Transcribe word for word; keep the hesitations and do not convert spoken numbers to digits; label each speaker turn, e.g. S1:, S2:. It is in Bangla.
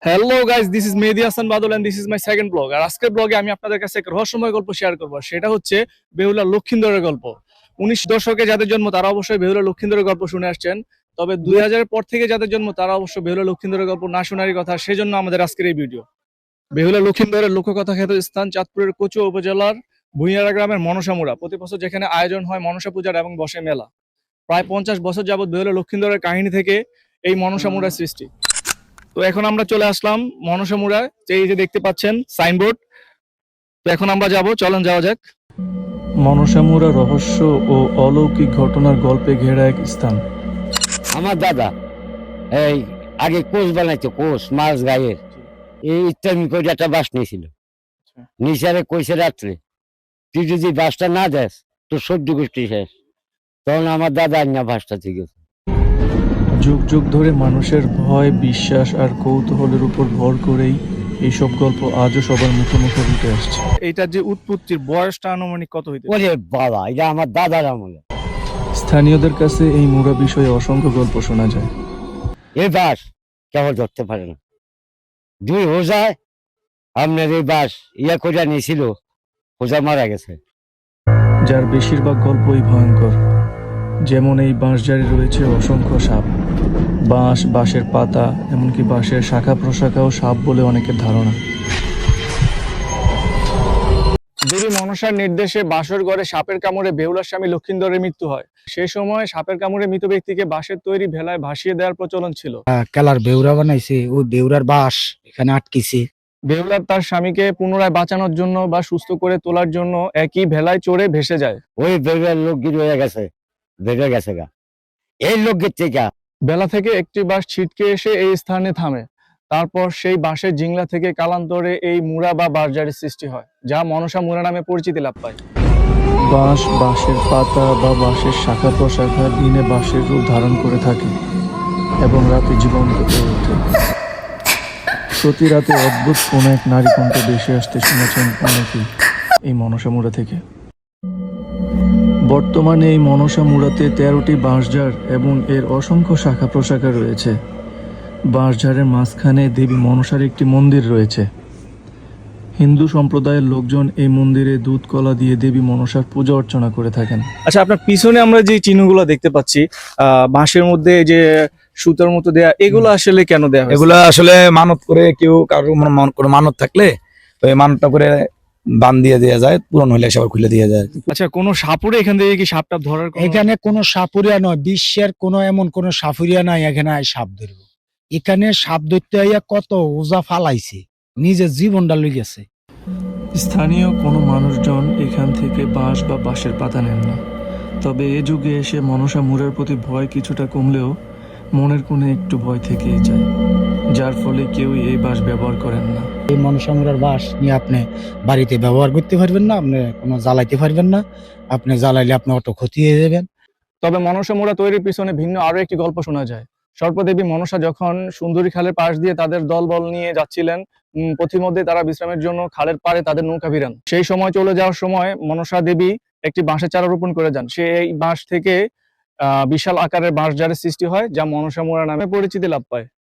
S1: Hello guys, this is Mehedi Hasan Badal and this is my second vlog. আর আজকের ব্লগে আমি আপনাদের কাছে এক রহস্যময় গল্প শেয়ার করব। সেটা হচ্ছে বেহুলা লক্ষিন্দরের গল্প। উনিশ দশকে যাদের জন্ম তারা অবশ্যই বেহুলা লক্ষিন্দরের গল্প শুনে আসছেন। তবে দুই হাজারের পর থেকে যাদের জন্ম তারা অবশ্য বেহুলা লক্ষিন্দরের গল্প না শোনারই কথা। সেজন্য আমাদের আজকের এই ভিডিও। বেহুলা লক্ষিন্দরের লোককথা খ্যাত স্থান চাঁদপুরের কচুয়া উপজেলার ভুঁইয়ারা গ্রামের মনসামুড়া। প্রতি বছর যেখানে আয়োজন হয় মনসা পূজার এবং বসে মেলা। প্রায় পঞ্চাশ বছর যাবৎ বেহুলা লক্ষিন্দরের কাহিনী থেকে এই মনসামুড়ার সৃষ্টি। তো এখন আমরা চলে আসলাম মনসামুড়ায়, এই যে দেখতে পাচ্ছেন সাইনবোর্ড। তো এখন আমরা যাব, চলেন যাওয়া যাক। মনসামুড়া রহস্য ও অলৌকিক ঘটনার গল্পে ঘেরা এক স্থান।
S2: আমার দাদা এই আগে কোষ বানাইতো, কোষ মাছ গায়ের এই ইত্যাদি করে একটা বাস নিয়েছিল। নিচারে কইছে রাত্রে, তুই যদি বাসটা না দেস তোর সহ্য গোষ্ঠী শেষ। তখন আমার দাদা আন্না বাসটা ঠিক আছে।
S1: যুগ যুগ ধরে মানুষের ভয়, বিশ্বাস আর কৌতূহলের উপর ভর করেই এইসব গল্প আজও সবার মুখে মুখে উঠে আসছে। এইটার যে উৎপত্তির বয়সটা আনুমানিক কত হইতে পারে?
S2: ওরে বাবা, এটা আমার দাদার আমলে।
S1: স্থানীয়দের কাছে এই মুড়া বিষয়ে অসংখ্য গল্প শোনা যায়।
S2: এই বাস কেবল ধরতে পারে না, দুই হোজায় আপনার এই বাস ইয়া করে নিয়েছিল, হোজা মারা গেছে।
S1: যার বেশিরভাগ গল্পই ভয়ঙ্কর। যেমন এই বাঁশঝাড়ে রয়েছে অসংখ্য সাপ, বাঁশ, বাঁশের পাতা, এমনকি বাঁশের শাখা প্রশাখাও সাপ বলে অনেকের ধারণা। দেবী মনসার নির্দেশে বাসর ঘরে সাপের কামড়ে বেহুলার স্বামী লক্ষিন্দরের মৃত্যু হয়। সেই সময় সাপের কামড়ে মৃত ব্যক্তিকে বাঁশের তৈরি ভেলায় ভাসিয়ে দেওয়ার প্রচলন ছিল।
S3: কেলার বেউরা বানাইছে, ওই বেউরার বাস এখানে আটকিছে।
S1: বেহুলার তার স্বামীকে পুনরায় বাঁচানোর জন্য বা সুস্থ করে তোলার জন্য একই ভেলায় চড়ে ভেসে যায়।
S2: ওই বেড়ার লোক গিয়ে রয়ে গেছে, বেড়ে গেছে গা এই লোকের থেকে।
S1: বেলা থেকে একটি বাঁশ ছিটকে এসে এই স্থানে থামে। তারপর সেই বাঁশের জিংলা থেকে কালান্তরে এই মুড়া বা বাঁশঝাড়ের সৃষ্টি হয়, যা মনসা মুড়া নামে পরিচিতি লাভ পায়। বাঁশ, বাঁশের পাতা বা বাঁশের শাখা প্রশাখা দিনে বাঁশের রূপ ধারণ করে থাকে এবং রাতে জীবন্ত হয়ে ওঠে। প্রতি রাতে অদ্ভুত কোন এক নারী কণ্ঠ ভেসে আসতে শুনেছেন অনেকেই এই মনসা মুড়া থেকে। বর্তমানে এই মনসা মুড়াতে তেরোটি বাঁশঝাড় এবং এর অসংখ্য শাখা প্রশাখা রয়েছে। বাঁশঝাড়ের মাঝখানে দেবী মনসার একটি মন্দির রয়েছে। হিন্দু সম্প্রদায়ের লোকজন এই মন্দিরে দুধ কলা দিয়ে দেবী মনসার পূজা অর্চনা করে থাকেন। আচ্ছা, আপনার পিছনে আমরা যে চিহ্নগুলো দেখতে পাচ্ছি, আহ বাঁশের মধ্যে যে সুতার মতো দেয়া, এগুলো আসলে কেন দেয়া হয়?
S4: এগুলা আসলে মানত করে, কেউ কারো কোনো মানত থাকলে ওই মানতটা করে বান দিয়ে দেওয়া যায়, পূরণ হলে সবার খুলে দিয়ে যায়।
S1: আচ্ছা, কোন সাপুরে এখান থেকে কি সাপটা ধরার কোনো-
S3: এখানে কোনো সাপুরিয়া নয়, বিশ্বের কোনো এমন কোনো সাপুরিয়া নাই এখানে আই সাপ ধরব। এখানে সাপ ধরতে আইয়া কত ওজা ফালাইছে, নিজের জীবনটা লই গেছে।
S1: স্থানীয় কোনো মানুষজন এখান থেকে বাঁশ বা বাঁশের পাতা নেন না। তবে এ যুগে এসে মনসা মুড়ার প্রতি ভয় কিছুটা কমলেও মনের কোণে একটু ভয় থেকেই যায়, যার ফলে কেউই এই বাঁশ ব্যবহার করেন না।
S3: এই মনসামুড়ার বাস নিয়ে আপনি বাড়িতে ব্যবহার করতে পারবেন না, আপনি কোনো জ্বালাইতে পারবেন না, আপনি জ্বালাইলে আপনি অত ক্ষতি হয়ে যাবেন।
S1: তবে মনসা মুড়া তৈরির পিছনে ভিন্ন আরো একটি গল্প শোনা যায়। সর্পদেবী মনসা যখন সুন্দরী খালের পাশ দিয়ে তাদের দলবল নিয়ে যাচ্ছিলেন, উম, পথিমধ্যে তারা বিশ্রামের জন্য খালের পাড়ে তাদের নৌকা ভিড়ান। সেই সময় চলে যাওয়ার সময় মনসা দেবী একটি বাঁশের চারা রোপণ করে যান। সে এই বাঁশ থেকে আহ বিশাল আকারের বাঁশঝাড়ের সৃষ্টি হয়, যা মনসা মুড়া নামে পরিচিতি লাভ পায়।